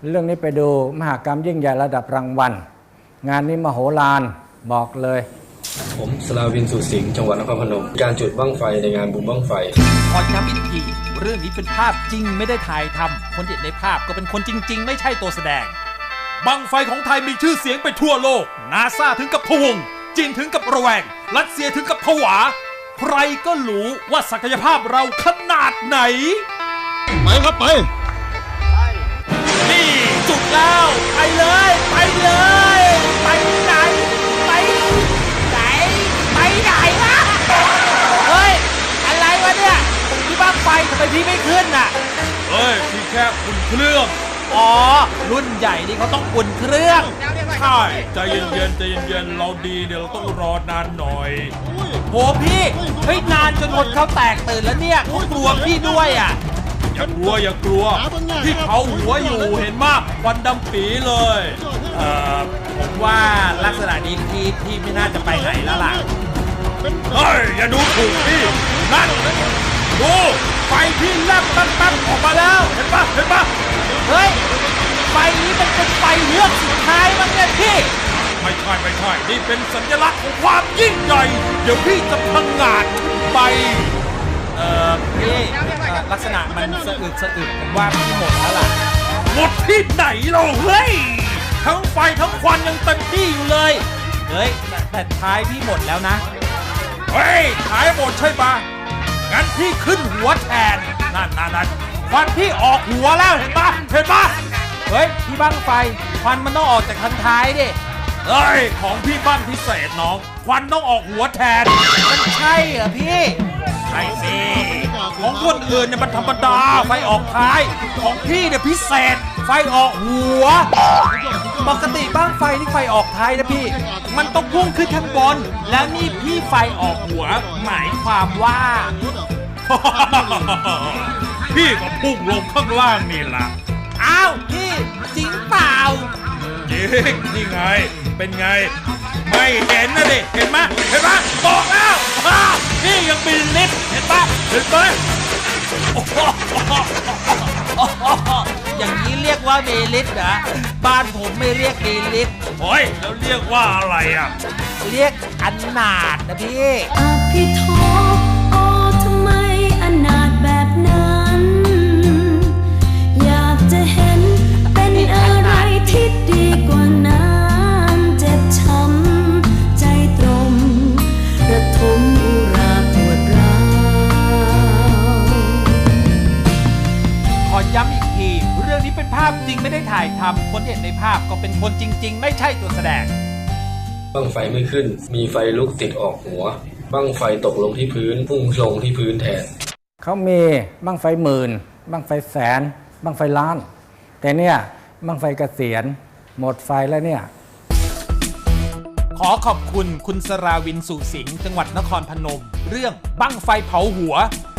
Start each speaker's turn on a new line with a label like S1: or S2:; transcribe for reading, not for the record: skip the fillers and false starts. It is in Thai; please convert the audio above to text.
S1: เรื่องนี้ไปดูมหกรรมยิ่งใหญ่ระดับรางวัลงานนี้มโหฬารบอกเลย
S2: ผมสลาวินสุสิงห์จังหวัดนครพนมการจุดบั้งไฟในงานบุญบั้งไฟ
S3: ขอย้ำอีกทีเรื่องนี้เป็นภาพจริงไม่ได้ถ่ายทำคนที่เห็นในภาพก็เป็นคนจริงๆไม่ใช่ตัวแสดงบั้งไฟของไทยมีชื่อเสียงไปทั่วโลกนาซาถึงกับพะวงจีนถึงกับระแวงรัสเซียถึงกับผวาใครก็รู้ว่าศักยภาพเราขนาดไหน
S4: ไปครับไป
S3: นี่จุดแล้วไปเลยไปเลยไปไหนไปไหนไปไหนวะเฮ้ยอะไรวะเนี่ยที่บ้างไฟทำไมพี่ไม่ขึ้นน่ะ
S4: เฮ้ยพี่แค่อุ่นเครื่อง
S3: อ๋อรุ่นใหญ่นี่เขาต้องอุ่นเครื่อง
S4: ใช่ใจเย็นๆใจเย็นๆเราดีเดี๋ยวเราต้องรอนานหน่อย
S3: โหพี่เฮ้ยนานจนคนเขาแตกตื่นแล้วเนี่ยเขากลัวพี่ด้วยอ่ะ
S4: อย่ากลัวพี่เผาหัวอยู่เห็นมากควันดำปีเลย
S3: ผมว่าลักษณะนี้พี่ไม่น่าจะไปไหนแล้วล่ะ
S4: เฮ้ยอย่าดูถูกพี่นั่นดูไฟพี่แลบตั้งออกมาแล้วเห็นปะ
S3: เฮ้ยไฟนี้มันเป็นไฟเลือกสุดท้ายมั้งเนี่ยพี่
S4: ไม่ใช่นี่เป็นสัญลักษณ์ของความยิ่งใหญ่เดี๋ยวพี่จะพังงาดไป
S3: พี่ลักษณะมันสะอึกผมว่าพี่หมดแล้วล่ะ
S4: หมดที่ไหนเราเฮ้ยทั้งไฟทั้งควันยังเต็มที่อยู่เลย
S3: เฮ้ยแต่ท้ายพี่หมดแล้วนะ
S4: เฮ้ยท้ายหมดใช่ปะงั้นพี่ขึ้นหัวแทนนั่นควันพี่ออกหัวแล้วเห็นปะ
S3: เฮ้ยพี่บั้งไฟควันมันต้องออกจากคันท้ายดิ
S4: เฮ้ยของพี่บั้งพิเศษน้องควันต้องออกหัวแทน
S3: มันใช่เหรอพี่
S4: ใช่สิของคนอื่นเนี่ยมันธรรมดาไฟออกท้ายของพี่เนี่ยพิเศษไฟออกหัว
S3: ปกติบ้างไฟที่ไฟออกท้ายนะพี่มันต้องพุ่งขึ้นข้างบนแล้วนี่พี่ไฟออกหัวหมายความว่า
S4: พี่ก็พุ่งลงข้างล่างนี่ล่ะ
S3: อ้าวพี่จริงเปล่า
S4: จริงนี่ไงเป็นไงไม่เห็นนะดิเห็นไหมบอกแล้วพี่ยังมีลิฟต์เห็นไหม
S3: อย่างนี้เรียกว่ามีลิฟต์เหรอบ้านผมไม่เรียกมีลิฟต์
S4: โอ้ยแล้วเรียกว่าอะไรอ่ะ
S3: เรียกอนาถนะพี่
S5: อภิโทโอ้ทำไมอนาถแบบนั้นอยากจะเห็นเป็นอะไรที่ดีกว่านั้นเจ็บช้ำใจตรมระทมอุราปวดร้าว
S3: ขอย้ำอีกทีเรื่องนี้เป็นภาพจริงไม่ได้ถ่ายทำคนที่เห็นในภาพก็เป็นคนจริงๆไม่ใช่ตัวแสดง
S2: บั้งไฟไม่ขึ้นมีไฟลุกติดออกหัวบั้งไฟตกลงที่พื้นพุ่งลงที่พื้นแทน
S1: เขามีบั้งไฟหมื่นบั้งไฟแสนบั้งไฟล้านแต่เนี่ยบั้งไฟเกษียณหมดไฟแล้วเนี่ย
S3: ขอขอบคุณคุณสราวินสุสิงห์จังหวัดนครพนมเรื่องบั้งไฟเผาหัว